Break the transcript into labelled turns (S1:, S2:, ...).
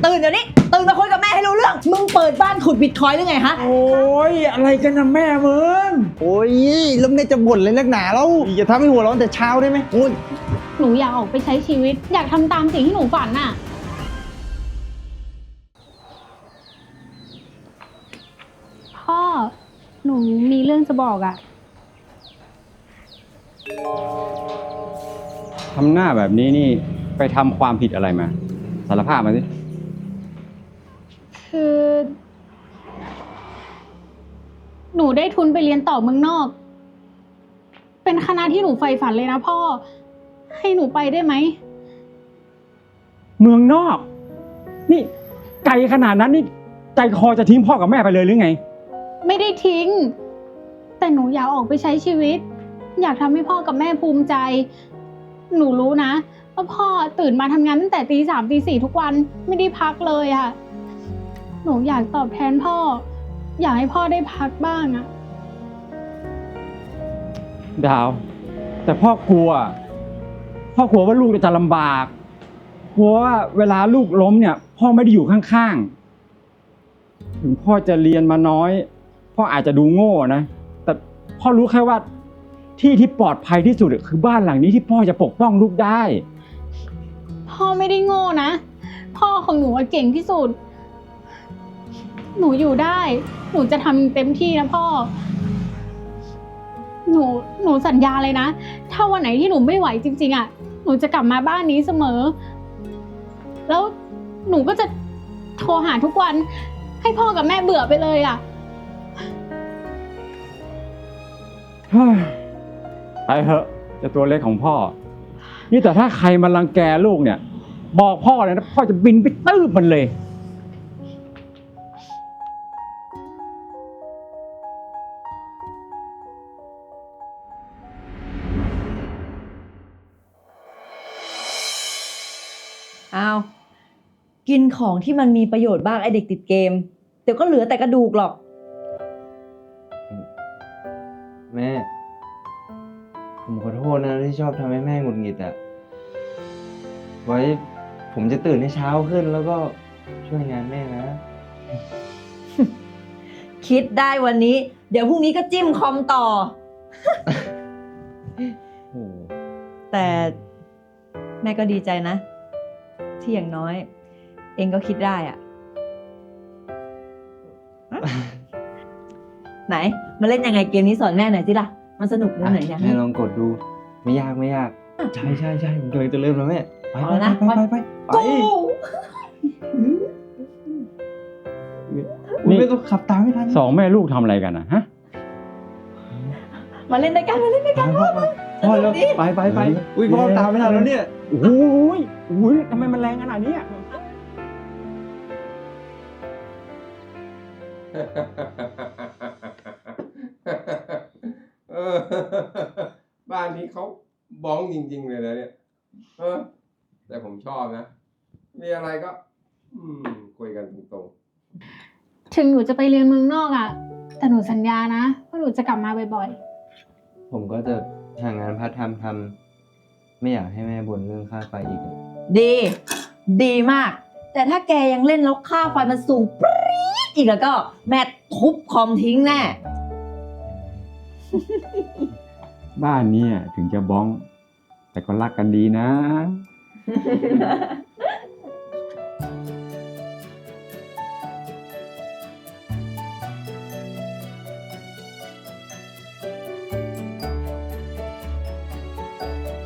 S1: ตื่นเดี๋ยวนี้ตื่นมาคุยกับแม่ให้รู้เรื่องมึงเปิดบ้านขุดบิตคอยน์หรือไงฮะ
S2: โอ้ยอะไรกันนะแม่มึงโอ้ยแล้วแม่จะบ่นเลยนักหนาแล้วอย่าทำให้หัวร้อนแต่เช้าได้ไหมโอ้ย
S3: หนูอยากออกไปใช้ชีวิต อยากทำตามสิ่งที่หนูฝันน่ะพ่อหนูมีเรื่องจะบอกอะ
S4: ทำหน้าแบบนี้นี่ไปทำความผิดอะไรมาสารภาพมาสิ
S3: คือ หนูได้ทุนไปเรียนต่อเมืองนอก เป็นคณะที่หนูใฝ่ฝันเลยนะพ่อให้หนูไปได้ไหม
S4: เมืองนอก นี่ไกลขนาดนั้นนี่ใจคอจะทิ้งพ่อกับแม่ไปเลยหรือไง
S3: ไม่ได้ทิ้ง แต่หนูอยากออกไปใช้ชีวิต อยากทำให้พ่อกับแม่ภูมิใจ หนูรู้นะว่าพ่อตื่นมาทำงานตั้งแต่ตี 3 ตี 4ทุกวันไม่ได้พักเลยอะหนูอยากตอบแทนพ่อ อยากให้พ่อได้พักบ้างอะ
S4: ดาว แต่พ่อกลัวว่าลูกจะลำบากกลัวว่าเวลาลูกล้มเนี่ย พ่อไม่ได้อยู่ข้างๆถึงพ่อจะเรียนมาน้อยพ่ออาจจะดูโง่นะแต่พ่อรู้แค่ว่าที่ปลอดภัยที่สุดคือบ้านหลังนี้ที่พ่อจะปกป้องลูกได้
S3: พ่อไม่ได้โง่นะ พ่อของหนูเก่งที่สุด หนูอยู่ได้ หนูจะทำเต็มที่นะพ่อ หนูสัญญาเลยนะ ถ้าวันไหนที่หนูไม่ไหวจริงๆอะหนูจะกลับมาบ้านนี้เสมอ แล้วหนูก็จะโทรหาทุกวัน ให้พ่อกับแม่เบื่อไปเลยอะ
S4: ไปเถอะจะตัวเล็กของพ่อ นี่แต่ถ้าใครมารังแกลูกเนี่ย บอกพ่อเลยนะพ่อจะบินไปตื้บมันเลย
S1: เอากินของที่มันมีประโยชน์บ้างไอเด็กติดเกมเดี๋ยวก็เหลือแต่กระดูกหรอก
S2: แม่ ผมขอโทษนะที่ชอบทำให้แม่หงุดหงิดอ่ะ ไว้ผมจะตื่นให้เช้าขึ้นแล้วก็ช่วยงานแม่นะ
S1: คิดได้วันนี้ เดี๋ยวพรุ่งนี้ก็จิ้มคอมต่อ
S2: โอ้
S1: แต่แม่ก็ดีใจนะ ที่อย่างน้อย เองก็คิดได้อะ ไหน มาเล่นยังไงเกมนี้สอนแม่หน่อยสิล่ะ มันสนุกเรื่องไหนเนี่ย
S2: แม่ลองกดดู ไม่ยากไม่ยาก ใช่ใช่ใช่ผมกำลังจะเริ่มแล้วแม่ ไป
S1: เอา
S2: ไป
S1: แล้วนะ
S2: ไปไปไป
S1: กู
S2: นี่ไม่ต้องขับตามไม่ทัน
S4: สองแม่ลูกทำอะไรกันนะฮะ
S1: มาเล่นด้วยกันมาเล่นด้วยกัน
S2: พ่อแล้วไปไปไปอุ้ยพ่อตามไม่ทันแล้วเนี่ย
S4: โอ้ยโอ้ยทำไมมันแรงขนาดนี้อะ
S5: เออบ้านนี้เขาบ้องจริงๆเลยนะเนี่ยแต่ผมชอบนะ มีอะไรก็ คุยกันตรง
S3: ถึงหนูจะไปเรียนเมืองนอกอะแต่หนูสัญญานะว่าหนูจะกลับมาบ่อย
S2: ผมก็จะหางานพาร์ทไทม์ทำไม่อยากให้แม่บ่นเรื่องค่าไฟอีกอะ
S1: ดี ดีมาก แต่ถ้าแกยังเล่นแล้วค่าไฟมันสูงปรี๊ดอีกแล้วก็ แม่ทุบคอมทิ้งแน่
S4: บ้านเนี้ถึงจะบ้อง แต่ก็รักกันดีนะ